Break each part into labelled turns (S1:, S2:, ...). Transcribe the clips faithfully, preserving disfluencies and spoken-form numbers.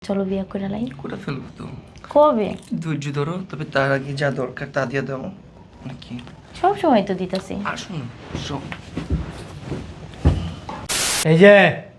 S1: চলো বিয়ে করে লাই।
S2: করে ফেলবো তো।
S1: কবে?
S2: ধৈর্য ধরো, তবে তার আগে যা দরকার তা দিয়ে দাও নাকি।
S1: সব সময় তো দিতেছি।
S2: আর শোনো শোন,
S3: এই যে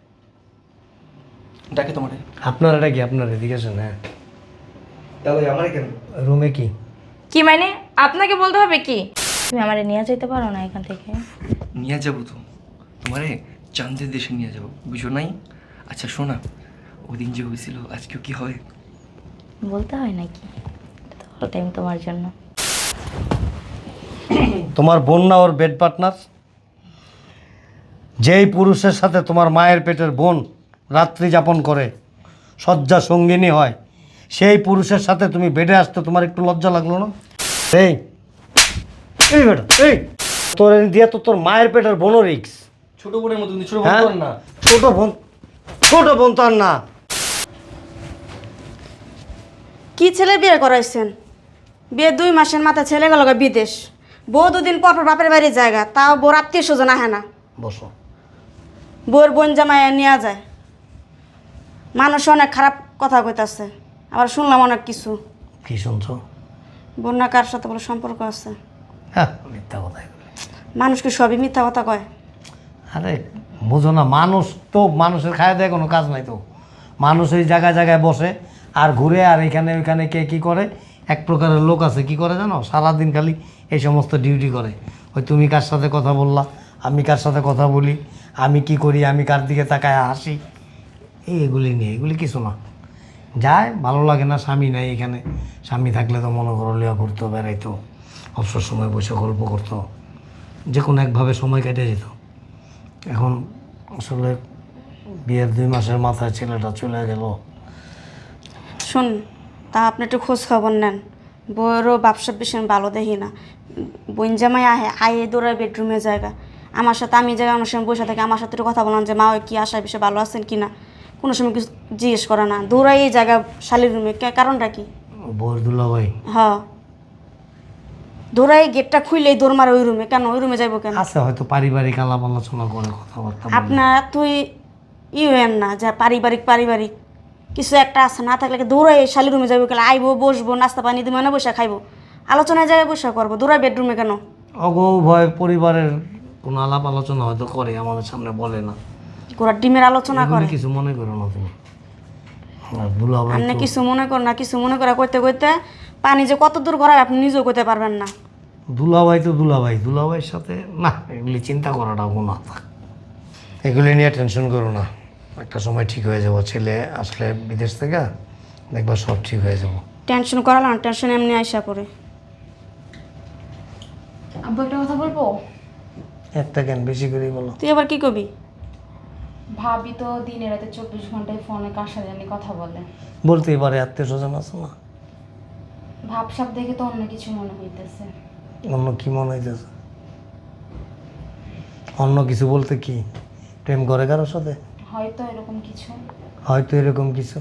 S2: ডাকে তোমারে।
S3: আপনার এটা কি আপনার এদিকে আসেন? হ্যাঁ,
S2: তাহলে আমারে কেন?
S3: রুমে কি?
S1: কি মানে আপনাকে বলতে হবে কি? তুমি আমারে নিয়ে যেতে পারো না এখান থেকে?
S2: নিয়ে যাবো তো, তোমারে চাঁদের দেশে নিয়ে যাবো, বুঝো নাই? আচ্ছা শোনা, ওদিন যে হয়েছিল আজকেও কি হয়?
S1: বলতে হয় নাকি? অল টাইম তোমার জন্য।
S3: তোমার বোন না ওর বেড পার্টনার? যেই পুরুষের সাথে তোমার মায়ের পেটের বোন রাত্রি যাপন করে, শয্যা সঙ্গিনী হয়, সেই পুরুষের সাথে তুমি বেডে আসতে তোমার একটু লজ্জা লাগলো না? এই এই বেটা এই, তোর দিয়ে তো তোর মায়ের পেটের বোনও রিক্স।
S2: ছোট বোনের মতো ছোট
S3: হ্যাঁ
S2: বোন না।
S3: ছোট বোন, ছোট বোন তো আর না।
S4: কি ছেলে বিয়ে করাইছেন? বিয়ে দুই মাসের মাথায় ছেলে গেল বিদেশ। বউ দুদিন পর পর বাপের বাড়ির জায়গা, তাও বউর আত্মীয় স্বজন আহে না।
S3: বসো।
S4: বউর বোন জামাই নেওয়া যায়। মানুষ অনেক খারাপ কথা কইতাছে, আবার শুনলাম অনেক কিছু।
S3: কি শুনছো?
S4: বন্যা কার সাথে বলে সম্পর্ক আছে।
S3: হ্যাঁ, মিথ্যা কথা এগুলো।
S4: মানুষ কি সবই মিথ্যা কথা কয়?
S3: আরে বোঝো না, মানুষ তো মানুষের খায় দেয় কোনো কাজ নাই তো। মানুষ ওই জায়গায় জায়গায় বসে আর ঘুরে, আর এখানে ওইখানে কে কী করে। এক প্রকারের লোক আছে কি করে জানো, সারাদিন খালি এই সমস্ত ডিউটি করে। ওই তুমি কার সাথে কথা বললা, আমি কার সাথে কথা বলি, আমি কি করি, আমি কার দিকে তাকায় হাসি, এই এগুলি নিয়ে, এগুলি কিছু না। যায় ভালো লাগে না, স্বামী নাই এখানে। স্বামী থাকলে তো মনে করো লিয়া ঘুরতো, বেড়াইতো, অবসর সময় বসে গল্প করতো, যে কোনো একভাবে সময় কেটে যেত। এখন আসলে বিয়ের দুই মাসের মাথায় ছেলেটা চলে গেল।
S4: শুন, তা আপনি একটু খোঁজ খবর নেন। বউয়েরও ব্যবসা ভীষণ ভালো দেখি না। বোন জামাই আহে আয়ে দৌড়ায় বেডরুমে জায়গা। আমার সাথে আমি জায়গায় অনেক সময় বসে থাকি, আমার সাথে একটু কথা বললাম যে মা ওই কি আশা বিষয়ে ভালো আছেন কি না, কোনো সময় কিছু জিজ্ঞেস করে না, দৌড়াই এই জায়গা শালির রুমে। কারণটা কি?
S3: বউর দুলাভাই
S4: হ্যাঁ, দৌড়াই গেটটা খুললেই দৌড় মারে ওই রুমে। কেন ওই রুমে যাইবো কেন?
S3: আছে হয়তো পারিবারিক আলাপ আলোচনা করে, কথাবার্তা বলে।
S4: আপনার তুই ই হইেন না যা পারিবারিক পারিবারিক কিছু একটা আছে, না থাকলে দৌড়াই শালি রুমে যাবো, কেন আইবো বসবো নাস্তা পানি দিয়ে মানে বসে খাইবো, আলোচনায় জায়গায় বসে করবো, দৌড়াই বেডরুমে কেন?
S3: অগো ভয় পরিবারের কোনো আলাপ আলোচনা হয়তো করে, আমাদের সামনে বলে না।
S4: গোড়ার ডিমের আলোচনা
S3: এগুলি
S4: করে।
S3: কিছু মনে করো না তুমি। আর দুলাভাই
S4: আপনি
S3: তো-
S4: কিছু মনে কর না, কিছু মনে করে করতে করতে পানি যে কত দূর গড়ায় আপনি নিজেও করতে পারবেন না।
S3: দুলাভাই তো দুলাভাই, দুলাভাইয়ের সাথে না এগুলি চিন্তা করাটাও কোনো থাক। এগুলি নিয়ে টেনশন করো না, একটা সময় ঠিক হয়ে যাবো। ছেলে আসলে বিদেশ থেকে দেখবা সব ঠিক হয়ে যাবো।
S4: টেনশন করালাম, টেনশন এমনি আইসা পড়ে।
S1: আব্বু একটা কথা বলবো?
S3: একটা কেন, বেশি করে বলো।
S4: তুই আবার কি কবি?
S1: ভাবি তো দিনে রাতে চব্বিশ ঘন্টায় ফোনে কার সাথে জানি কথা বলে।
S3: বলতেই পারে, আত্মীয় স্বজন আছে না।
S1: ভাবসাব দেখে তো অন্য কিছু মনে হইতেছে।
S3: অন্য কি মনে হইতেছে? অন্য কিছু বলতে কি, প্রেম করে কারোর সাথে?
S1: হয়তো এরকম কিছু।
S3: হয়তো এরকম কিছু।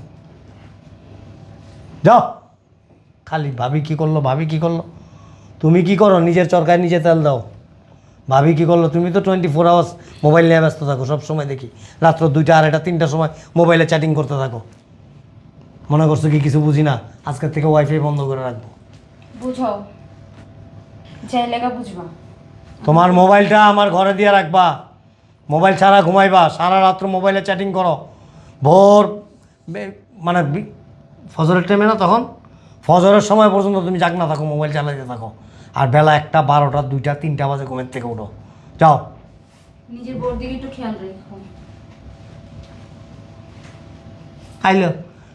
S3: যাও, খালি ভাবি কি করলো, ভাবি কি করলো। তুমি কি করো, নিজের চরকায় নিজে তেল দাও। ভাবি কি করলো, তুমি তো টোয়েন্টি ফোর আওয়ার্স মোবাইল নিয়ে ব্যস্ত থাকো, সব সময় দেখি রাত্র দুইটা আড়াইটা তিনটার সময় মোবাইলে চ্যাটিং করতে থাকো। মনে করছো কি কিছু বুঝি না? আজকের থেকে ওয়াইফাই বন্ধ করে রাখবো।
S1: বুঝাও, যাই লেগা বুঝবা।
S3: তোমার মোবাইলটা আমার ঘরে দিয়ে রাখবা, মোবাইল ছাড়া ঘুমাইবা, সারা রাত্র মোবাইলে চ্যাটিং করো। ভোর বে- মানে বি- ফজরের টাইমে না, তখন ফজরের সময় পর্যন্ত তুমি জাগ না থাকো, মোবাইল চালাইতে থাকো। আর বেলা একটা বারোটা দুইটা তিনটা বাজে ঘুমের থেকে উঠো। যাও।
S1: নিজের বোর দিকে একটু খেয়াল রেখো।
S3: আইলো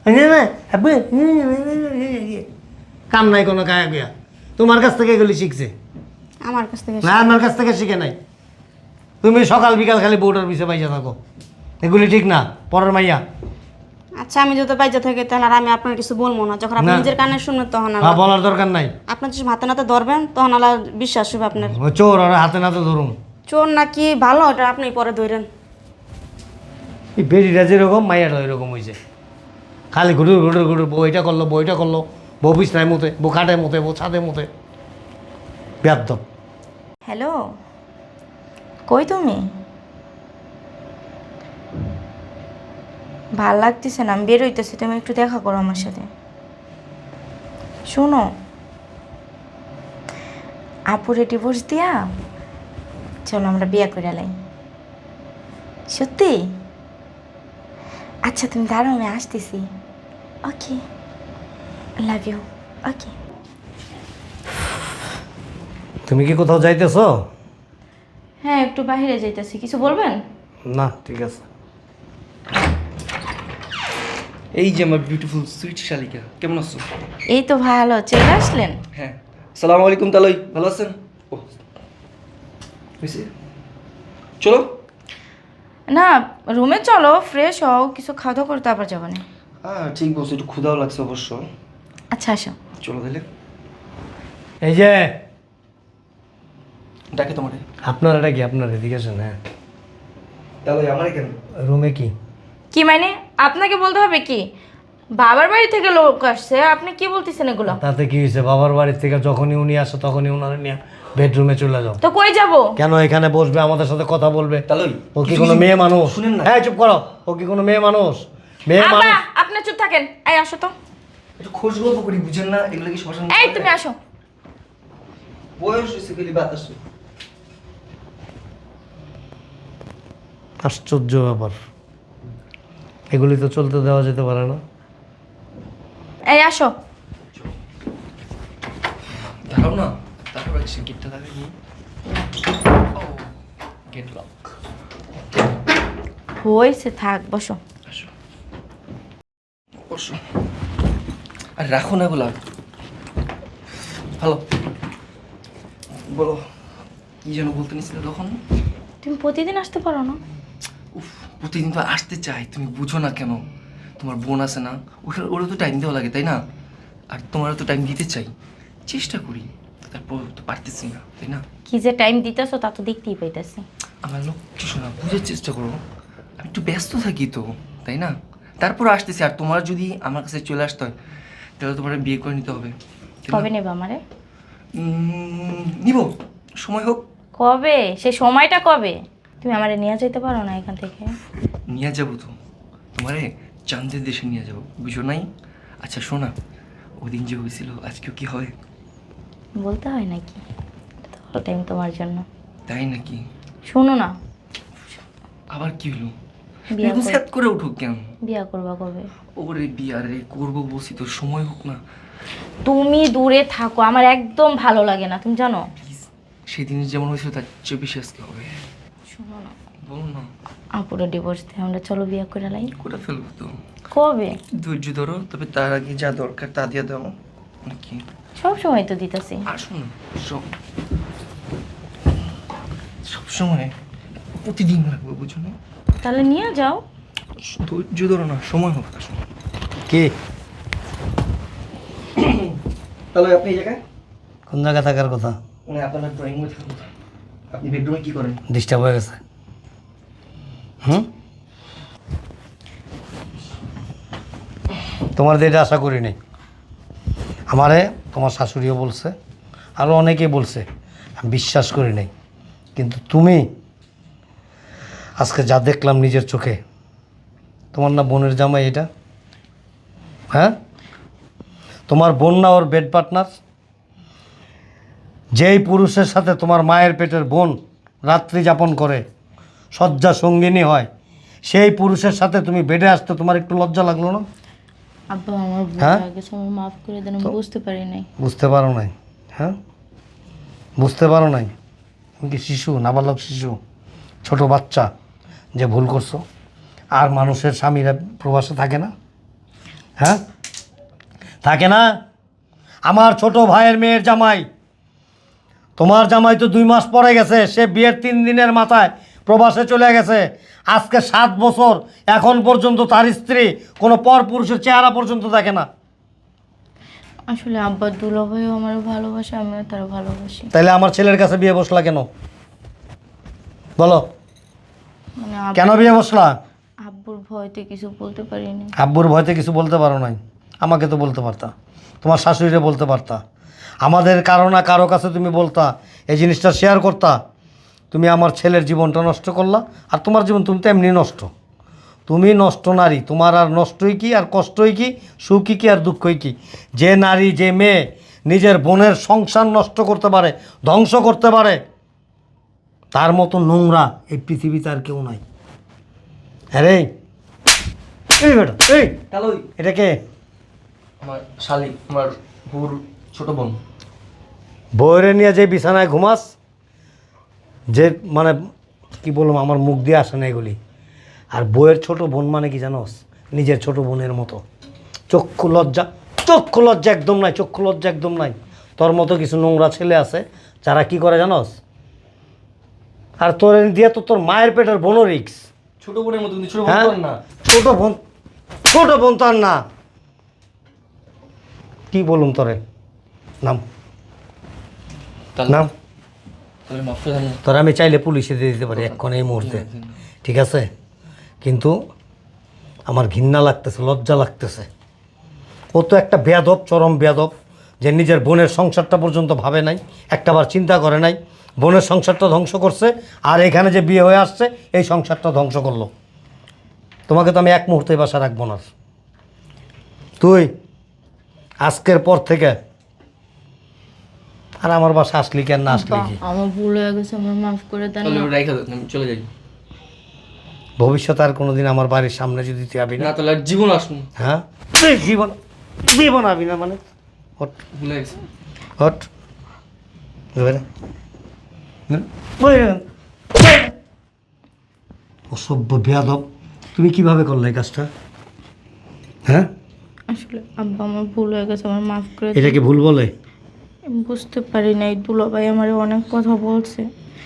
S3: কাম নাই কোনো, গায়ে গিয়া তোমার কাছ থেকে এগুলি শিখছে
S4: আমার কাছ থেকে
S3: না, আমার কাছ থেকে শিখে নাই। তুমি সকাল বিকাল খালি বউটার পিছে পাইজা থাকো, এগুলি ঠিক না। পরের মাইয়া।
S4: আচ্ছা, আমি যত বাইজা থাকি তাহলে আর আমি আপনার কিছু বলবো না। যখন আপনি
S3: না।
S4: নিজের কানে শুনবেন তখন
S3: হ্যাঁ,
S4: আবার
S3: বলার দরকার নাই।
S4: আপনার যদি হাতে নাতে ধরবেন তখন আলাদা বিশ্বাস হবে আপনার।
S3: ও চোর, ওরা হাতে নাতে ধরুন।
S4: চোর নাকি ভালো ওটা আপনি পরে ধরেন।
S3: এই বেরিটা যেরকম মাইয়াটা ওইরকম হয়েছে, খালি ঘুটুর ঘুটুর ঘুটুর, বউ এটা করলো, বউ এটা করলো, বউ বিছনায় মতে, বউ খাটে মতে, বউ ছাদে মতে। ব্যাধ।
S1: হ্যালো, কই তুমি?
S4: ভাল লাগতেছে না, আমি বের হইতেছি, তুমি একটু দেখা করো আমার সাথে। শোনো, আপুরে ডিভোর্স দিয়া চলো আমরা বিয়ে করে লাই। সত্যি? আচ্ছা তুমি দাঁড়াও, আমি আসতেছি। Okay, love you. ওকে।
S3: তুমি কি কোথাও যাইতেছো?
S4: হ্যাঁ, একটু বাইরে যাইতেছি, কিছু বলবেন?
S3: না, ঠিক আছে।
S2: এই যে আমার বিউটিফুল সুইট শালিকা, কেমন আছো?
S4: এই তো ভালো, চলে আসলেন?
S2: হ্যাঁ, সালামু আলাইকুম তালই, ভালো আছেন? ও হয়েছে, চলো।
S4: না, রুমে চলো, ফ্রেশ হও, কিছু খাওয়া দাওয়া করতে আবার যাবো না।
S2: হ্যাঁ ঠিক বলছো, একটু ক্ষুধাও লাগছে অবশ্য।
S4: আচ্ছা আসো।
S2: চলো তাহলে।
S3: এই যে
S2: ডাকে তোমারে।
S3: আপনার এটা কি? আপনার এদিকে আসেন। হ্যাঁ,
S2: তাহলে আমারে কেন?
S3: রুমে কি?
S4: কি মানে? আপনাকে বলতে হবে কি? বাবার বাড়ি থেকে লোক আসছে, আপনি কি বলতেছেন এগুলো?
S3: তাতে কি হয়েছে? বাবার বাড়ি থেকে যখনই উনি আসে তখনই ওনার নিয়ে বেডরুমে চলে যাও।
S4: তো কই যাব?
S3: কেন? এখানে বসবে, আমাদের সাথে কথা বলবে।
S2: তালই,
S3: ও কি কোনো মেয়ে মানুষ?
S2: শুনেন না।
S3: হ্যাঁ, চুপ করো। ও কি কোনো মেয়ে মানুষ? মেয়ে
S4: আব্বা,
S3: মানুষ।
S4: আপনি চুপ থাকেন। এই আসো তো।
S2: একটু খোঁজ গল্প করি, বুঝেন না এগুলো কি শ্মশান?
S4: এই তুমি আসো।
S2: বয়স হয়েছে গেলি বাতাস।
S3: আশ্চর্য ব্যাপার, এগুলি তো চলতে দেওয়া যেতে পারে না।
S4: এই আসো।
S2: দাঁড়াও না, তারপর একটু গেটটা লাগাই। ও গেট লক।
S4: হয়েছে, থাক, বসো।
S2: আসো বসো। আর রাখো না এগুলা। হ্যালো, বলো কি যেন বলতে নিছিলে তখন?
S4: তুমি প্রতিদিন আসতে পারো না?
S2: উফ, প্রতিদিন তো আসতে চাই, তুমি বুঝো না কেন? তোমার বোন আছে না, ওখানে ওরও তো টাইম দেওয়া লাগে তাই না? আর তোমারও তো টাইম দিতে চাই, চেষ্টা করি, তারপর তো পারতেছি না তাই না?
S4: কি যে টাইম দিতেছো তা তো দেখতেই পাইতেছি।
S2: আমার লোক কিছু না, বুঝার চেষ্টা করো। আমি একটু ব্যস্ত থাকি তো তাই না? তারপর আসতেছি। আর তোমার যদি আমার কাছে চলে আসতে হয় তাহলে তোমার বিয়ে করে নিতে হবে। তাই না?
S4: কবে নেবে আমারে?
S2: উম, নিব, সময় হোক।
S4: কবে? সেই সময়টা কবে? তুমি আমারে নিয়ে যেতে পারো না এখান থেকে?
S2: নিয়ে যাবো তো, তোমারে চাঁদের দেশে নিয়ে যাবো, বুঝো নাই? আচ্ছা শোনা, ওই দিন যে হয়েছিল আজকেও কি হয়?
S4: বলতে হয় নাকি? টাইম তোমার জন্য।
S2: তাই নাকি?
S4: শোনো না,
S2: আবার কি হলো?
S4: বিয়া
S2: এরকম
S4: কর-
S2: স্যাত করে উঠো কেন?
S4: বিয়া করবা কবে?
S2: ওরে বিয়া রে, করবো বলছি তো, সময় হোক না
S4: তুমি দূরে থাকো, আমার একদম ভালো লাগে না, তুমি জানো।
S2: প্লিজ। সেদিন যেমন হয়েছিল তার চেয়ে বেশি আজকে হবে।
S4: শোনো না,
S2: বলো না।
S4: আপুরে ডিভোর্স দিয়ে আমরা চলো বিয়া করে লাই।
S2: করে ফেলবো তো,
S4: কবে?
S2: ধৈর্য ধরো, তবে তার আগে যা দরকার তা দিয়ে দাও নাকি?
S4: সব সময় তো দিতেছি।
S2: আসো না, সব সবসময় প্রতিদিন লাগবে, বুঝো না?
S4: তাহলে নিয়ে যাও।
S2: ধৈর্য ধরো না, সময় হোক। আসো।
S3: কি?
S2: তাহলে আপনি এই জায়গায়,
S3: কোন জায়গায় থাকার কথা?
S2: মানে আপনার ড্রয়িং রুমে থাকুন। আপনি বেডরুমে কি করেন?
S3: ডিস্টার্ব হয়ে গেছে। হুম, তোমার দিয়ে এটা আশা করি নাই। আমারে তোমার শাশুড়িও বলছে, আরও অনেকেই বলছে, আমি বিশ্বাস করি নাই। কিন্তু তুমি আজকে যা দেখলাম নিজের চোখে, তোমার না বোনের জামাই এটা? হ্যাঁ, তোমার বোন না ওর বেড পার্টনার? যেই পুরুষের সাথে তোমার মায়ের পেটের বোন রাত্রি যাপন করে, শয্যা সঙ্গিনী হয়, সেই পুরুষের সাথে তুমি বেডে আসতে তোমার একটু লজ্জা লাগলো না?
S4: আব্বা, আমার ভুল
S3: হ্যাঁ?
S4: হয়ে গেছে, আমার মাফ করে দেন, আমি বুঝতে পারি নাই।
S3: বুঝতে পারো নাই? হ্যাঁ, বুঝতে পারো নাই? তুমি কি শিশু, নাবালক শিশু, ছোট বাচ্চা যে ভুল করছো? আর মানুষের স্বামীরা প্রবাসে থাকে না? হ্যাঁ, থাকে না? আমার ছোট ভাইয়ের মেয়ের জামাই, তোমার জামাই তো দুই মাস পরে গেছে, সে বিয়ের তিন দিনের মাথায় প্রবাসে চলে গেছে। আজকে সাত বছর এখন পর্যন্ত তার স্ত্রী কোনো পর পুরুষের চেহারা পর্যন্ত দেখে না।
S4: আসলে আব্বা দুলাভাইও আমার ভালোবাসে, আমিও তার ভালোবাসি।
S3: তাইলে আমার ছেলের কাছে বিয়ে বসলা কেন? বলো,
S4: মানে
S3: কেন
S4: আব্বু-
S3: বিয়ে বসলা?
S4: আব্বুর ভয়তে কিছু বলতে পারিনি।
S3: আব্বুর ভয়তে কিছু বলতে পারো নাই? আমাকে তো বলতে পারতা, তোমার শাশুড়িরে বলতে পারতা, আমাদের কারো না কারো কাছে তুমি বলতা, এই জিনিসটা শেয়ার করতা। তুমি আমার ছেলের জীবনটা নষ্ট করলা, আর তোমার জীবন তুমি তো এমনি নষ্ট। তুমি নষ্ট নারী, তোমার আর নষ্টই কি আর কষ্টই কি, সুখই কি আর দুঃখই কি। যে নারী যে মেয়ে নিজের বোনের সংসার নষ্ট করতে পারে, ধ্বংস করতে পারে, তার মতো নোংরা এই পৃথিবীতে আর কেউ নাই। হ্যাঁ রে, এই বেটা, এই
S2: হ্যালো,
S3: এটা কে?
S2: আমার শালিক, আমার বোর ছোট বোন।
S3: বউরে নিয়ে যে বিছানায় ঘুমাস, যে মানে কি বললাম, আমার মুখ দিয়ে আসে না এগুলি। আর বউয়ের ছোট বোন মানে কি জানোস? নিজের ছোট বোনের মতো। চক্ষু লজ্জা, চক্ষু লজ্জা একদম নাই, চক্ষু লজ্জা একদম নাই। তোর মতো কিছু নোংরা ছেলে আছে যারা কি করে জানোস? আর তোর দিয়ে তো তোর মায়ের পেটের বোনও রিক্স।
S2: ছোট বোনের মতো, কিন্তু ছোট বোন
S3: হ্যাঁ,
S2: তো আর না।
S3: ছোট বোন, ছোট বোন তো আর না। কি বলুম তোরে, নাম
S2: তাহলে
S3: নাম
S2: তাহলে মাফ করে দেন না।
S3: তোর আমি চাইলে পুলিশে দিয়ে দিতে পারি এক্ষণ এই মুহূর্তে, ঠিক আছে? কিন্তু আমার ঘৃণা লাগতেছে, লজ্জা লাগতেছে। ও তো একটা বেয়াদব, চরম বেয়াদব, যে নিজের বোনের সংসারটা পর্যন্ত ভাবে নাই, একটাবার চিন্তা করে নাই। বোনের সংসারটা ধ্বংস করছে, আর এখানে যে বিয়ে হয়ে আসছে এই সংসারটা ধ্বংস করলো। তোমাকে তো আমি এক মুহূর্তে বাসা রাখবো না। তুই আজকের পর থেকে আর আমার বাসা আসলি কেন, না আসলি কি?
S5: আমার ভুল হয়ে গেছে, আমার মাফ করে দেন
S2: তাহলে
S5: না।
S2: ওটা রাইখা দেন, আমি চলে যাই।
S3: ভবিষ্যতে আর কোনোদিন আমার বাড়ির সামনে যদি তুই আবি না,
S2: না তাহলে আর জীবন আসুন।
S3: হ্যাঁ তুই জীবন জীবন আবি না মানে হট
S2: ভুলে গেছি।
S3: হট এবারে বইরে, বইরে। অসভ্য বেয়াদব, তুমি কিভাবে করলে এই কাজটা? হ্যাঁ,
S5: আসলে আব্বা আমার ভুল হয়ে গেছে, আমার মাফ করে দেন।
S3: এটা কি ভুল বলে?
S5: আমি বুঝতে পারি নাই, দুলাভাই আমার অনেক কথা বলছে।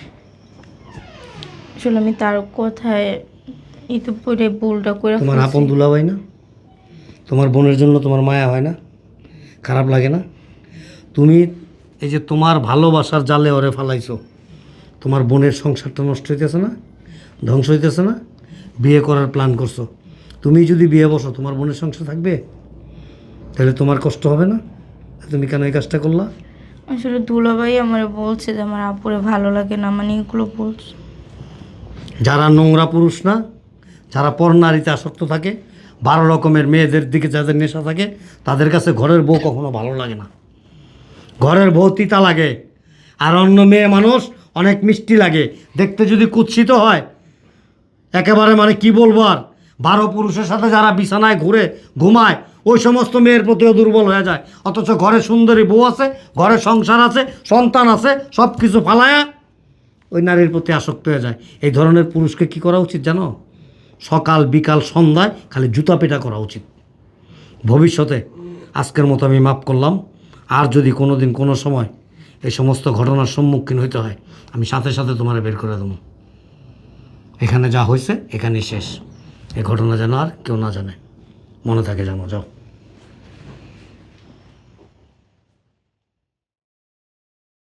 S5: আসলে আমি তার কথায় ইতিপূর্বে ভুলটা করে
S3: তোমার
S5: ফেলছি।
S3: আপন দুলাভাই না? তোমার বোনের জন্য তোমার মায়া হয় না? খারাপ লাগে না? তুমি এই যে তোমার ভালোবাসার জালে ওরে ফালাইছো, তোমার বোনের সংসারটা নষ্ট হইতেছে না, ধ্বংস হইতেছে না? বিয়ে করার প্ল্যান করছো। তুমি যদি বিয়ে বসো, তোমার বোনের সংসার থাকবে? তাহলে তোমার কষ্ট হবে না? তুমি কেন এই কাজটা করলা?
S5: আসলে দুলাভাই আমার বলছে যে আমার আপুরে ভালো লাগে না, মানে এগুলো বলছে।
S3: যারা নোংরা পুরুষ না, যারা পর নারীতে আসক্ত থাকে, বারো রকমের মেয়েদের দিকে যাদের নেশা থাকে, তাদের কাছে ঘরের বউ কখনো ভালো লাগে না। ঘরের বউ তিতা লাগে, আর অন্য মেয়ে মানুষ অনেক মিষ্টি লাগে, দেখতে যদি কুৎসিত হয় একেবারে, মানে কি বলবো আর, বারো পুরুষের সাথে যারা বিছানায় ঘুরে ঘুমায় ওই সমস্ত মেয়ের প্রতিও দুর্বল হয়ে যায়। অথচ ঘরে সুন্দরী বউ আছে, ঘরে সংসার আছে, সন্তান আছে, সব কিছু ফালায়া ওই নারীর প্রতি আসক্ত হয়ে যায়। এই ধরনের পুরুষকে কি করা উচিত জানো? সকাল বিকাল সন্ধ্যায় খালি জুতা পেটা করা উচিত। ভবিষ্যতে আজকের মতো আমি মাফ করলাম। আর যদি কোনো দিন কোনো সময় এই সমস্ত ঘটনার সম্মুখীন হইতে হয়, আমি সাথে সাথে তোমার বের করে দেবো। এখানে যা হয়েছে এখানেই শেষ। এই ঘটনা যেন আর কেউ না জানে, মনে থাকে, জানো। যাও।